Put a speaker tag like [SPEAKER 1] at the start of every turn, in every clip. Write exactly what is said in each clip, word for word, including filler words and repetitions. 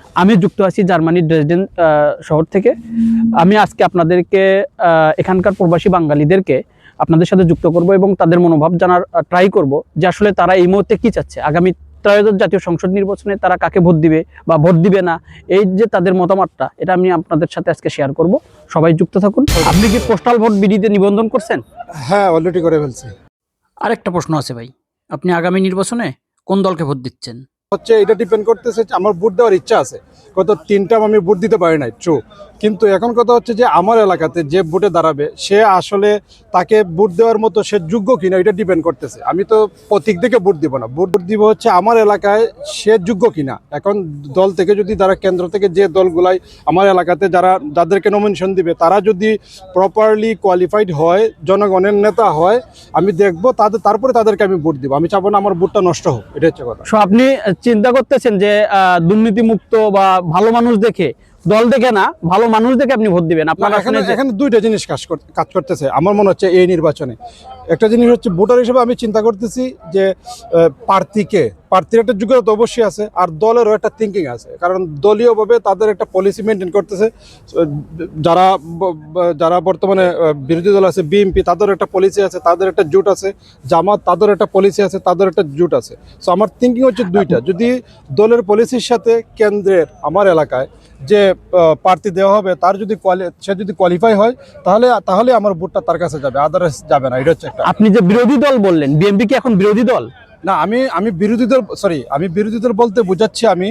[SPEAKER 1] আমি যুক্ত আছি জার্মানির ড্রেসডেন শহর থেকে। আমি আজকে আপনাদেরকে এখানকার প্রবাসী বাঙালিদেরকে আপনাদের সাথে যুক্ত করব এবং তাদের মনোভাব জানার ট্রাই করব যে আসলে তারা এই মুহূর্তে কি চাচ্ছে, আগামী ত্রয়োদশ জাতীয় সংসদ নির্বাচনে তারা কাকে ভোট দিবে বা ভোট দিবে না, এই যে তাদের মতামতটা, এটা আমি আপনাদের সাথে আজকে শেয়ার করব। সবাই যুক্ত থাকুন। আপনি কি পোস্টাল ভোট বিডিতে নিবন্ধন করছেন?
[SPEAKER 2] হ্যাঁ, অলরেডি করে ফেলছি।
[SPEAKER 1] আরেকটা প্রশ্ন আছে ভাই, আপনি আগামী নির্বাচনে কোন দলকে ভোট দিচ্ছেন?
[SPEAKER 2] হচ্ছে এটা ডিপেন্ড করতেছে, আমার ভোট দেওয়ার ইচ্ছা আছে, কত তিনটা আমি ভোট দিতে পারি নাই, ট্রু। কিন্তু এখন কথা হচ্ছে যে আমার এলাকাতে যে ভোটে দাঁড়াবে সে আসলে তাকে ভোট দেওয়ার মতো সে যোগ্য কিনা, এটা ডিপেন্ড করতেছে। আমি তো প্রতীক দেখে ভোট দিব না, ভোট দিব হচ্ছে আমার এলাকায় সে যোগ্য কিনা। এখন দল থেকে যদি তারা কেন্দ্র থেকে যে দলগুলাই আমার এলাকাতে যারা যাদেরকে নমিনেশন দিবে তারা যদি প্রপারলি কোয়ালিফাইড হয়, জনগণের নেতা হয়, আমি দেখবো তাদের, তারপরে তাদেরকে আমি ভোট দিব। আমি চাবো না আমার ভোটটা নষ্ট হোক, এটা হচ্ছে কথা।
[SPEAKER 1] সো আপনি চিন্তা করতেছেন যে দুর্নীতিমুক্ত বা ভালো মানুষ দেখে, দল দেখে না, ভালো মানুষ দেখে আপনি ভোট দিবেন? আপনার
[SPEAKER 2] এখানে এখানে দুইটা জিনিস কাজ কাজ করতেছে আমার মনে হচ্ছে এই নির্বাচনে। একটা জিনিস হচ্ছে ভোটার হিসেবে আমি চিন্তা করতেছি যে প্রার্থীকে, প্রার্থীর একটা যোগ্যতা তো অবশ্যই আছে, আর দলেরও একটা থিঙ্কিং আছে, কারণ দলীয়ভাবে তাদের একটা পলিসি মেনটেন করতেছে। যারা যারা বর্তমানে বিরোধী দল আছে, বিএনপি, তাদের একটা পলিসি আছে, তাদের একটা জোট আছে, জামাত তাদের একটা পলিসি আছে, তাদের একটা জোট আছে। সো আমার থিঙ্কিং হচ্ছে দুইটা, যদি দলের পলিসির সাথে কেন্দ্রের আমার এলাকায় যে প্রার্থী দেওয়া হবে তার যদি সে যদি কোয়ালিফাই হয় তাহলে তাহলে আমার ভোটটা তার কাছে যাবে, আদারওয়াইজ যাবে না। এটা হচ্ছে একটা।
[SPEAKER 1] আপনি যে বিরোধী দল বললেন, বিএনপি কি এখন বিরোধী দল?
[SPEAKER 2] না, আমি আমি বিরোধী দল, সরি, আমি বিরোধী দল বলতে বোঝাচ্ছি আমি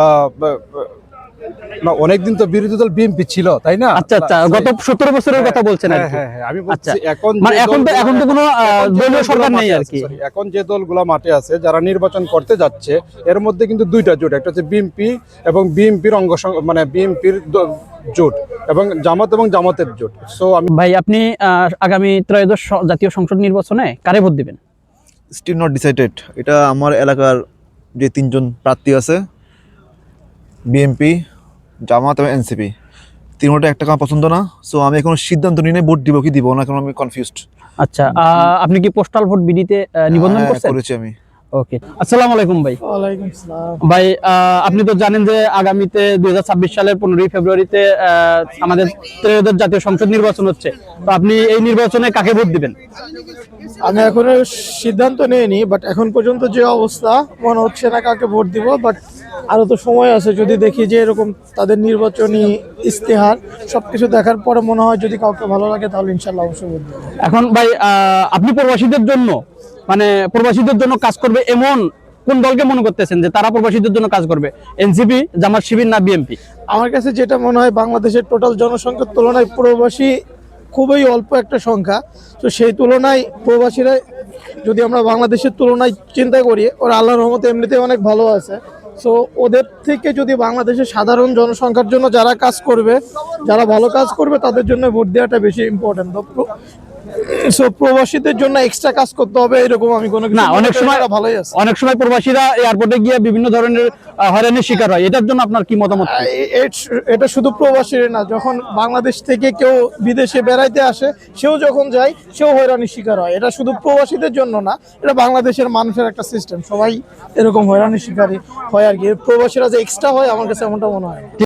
[SPEAKER 2] না, অনেকদিন তো বিরোধী দল বিএনপি ছিল, তাই না?
[SPEAKER 1] আচ্ছা আচ্ছা, গত সতেরো বছরের কথা বলছেন আর কি।
[SPEAKER 2] হ্যাঁ হ্যাঁ, আমি বলছি এখন
[SPEAKER 1] মানে এখন তো এখন তো কোনো দলীয় সরকার নেই আর কি।
[SPEAKER 2] এখন যে দলগুলো মাঠে আছে যারা নির্বাচন করতে যাচ্ছে এর মধ্যে কিন্তু দুইটা জোট, একটা হচ্ছে বিএনপি এবং বিএনপির অঙ্গ, মানে বিএনপির জোট, এবং জামাত এবং জামাতের জোট। সো আমি
[SPEAKER 1] ভাই, আপনি আগামী ত্রয়োদশ জাতীয় সংসদ নির্বাচনে কারে ভোট দিবেন?
[SPEAKER 3] Still not decided. এটা আমার এলাকার যে তিনজন প্রার্থী আছে, বিএনপি, জামাত এবং এনসিপি, তিনটা একটা আমার পছন্দ না। সো আমি এখন সিদ্ধান্ত নিয়ে নেই ভোট দিব কি দিব না, কারণ আমি কনফিউজড।
[SPEAKER 1] আচ্ছা, আপনি কি পোস্টাল ভোট বিডিতে নিবন্ধন করছেন?
[SPEAKER 3] করেছি আমি।
[SPEAKER 1] ওকে, আসসালামু আলাইকুম ভাই।
[SPEAKER 4] ওয়ালাইকুম আসসালাম।
[SPEAKER 1] ভাই, আপনি তো জানেন যে আগামীতে দুই হাজার ছাব্বিশ সালের পনেরোই ফেব্রুয়ারিতে আমাদের ত্রয়োদশ জাতীয় সংসদ নির্বাচন হচ্ছে। তো আপনি এই নির্বাচনে কাকে ভোট দিবেন?
[SPEAKER 4] আমি এখনো সিদ্ধান্ত নিইনি, বাট এখন পর্যন্ত যে অবস্থা মনে হচ্ছে না কাকে ভোট দিব, বাট আরো তো সময় আছে। যদি দেখি যে এরকম তাদের নির্বাচনী ইস্তেহার সবকিছু দেখার পরে মনে হয় যদি কাউকে ভালো লাগে তাহলে ইনশাল্লাহ অবশ্যই ভোট দিব।
[SPEAKER 1] এখন ভাই, আপনি প্রবাসীদের জন্য, মানে প্রবাসীদের জন্য কাজ করবে এমন কোন দলকে মনে করতেছেন যে তারা প্রবাসীদের জন্য কাজ করবে? এনসিপি, জামাত শিবির না বিএনপি?
[SPEAKER 4] আমার কাছে যেটা মনে হয়, বাংলাদেশের টোটাল জনসংখ্যার তুলনায় প্রবাসী খুবই অল্প একটা সংখ্যা। তো সেই তুলনায় প্রবাসীরা, যদি আমরা বাংলাদেশের তুলনায় চিন্তা করি, ওরা আল্লাহর রহমতে এমনিতে অনেক ভালো আছে। সো ওদের থেকে যদি বাংলাদেশের সাধারণ জনসংখ্যার জন্য যারা কাজ করবে, যারা ভালো কাজ করবে, তাদের জন্য ভোট দেওয়াটা বেশি ইম্পর্টেন্ট। সো প্রবাসীদের জন্য এক্সট্রা কাজ করতে হবে এরকম আমি কোনো
[SPEAKER 1] না। অনেক সময়
[SPEAKER 4] ভালোই আছে,
[SPEAKER 1] অনেক সময় প্রবাসীরা এয়ারপোর্টে গিয়ে বিভিন্ন ধরনের হয়রানির শিকার হয়, এটার জন্য আপনার কি মতামত?
[SPEAKER 4] এটা শুধু প্রবাসীর না, যখন বাংলাদেশ থেকে কেউ বিদেশে বেড়াইতে আসে সেও যখন যায় সেও হয়রানির শিকার হয়। এটা শুধু প্রবাসীদের জন্য না, এটা বাংলাদেশের মানুষের একটা সিস্টেম, সবাই এরকম হয়রানির শিকারই হয় আর কি। প্রবাসীরা যে এক্সট্রা হয় আমার কাছে এমনটা মনে হয়।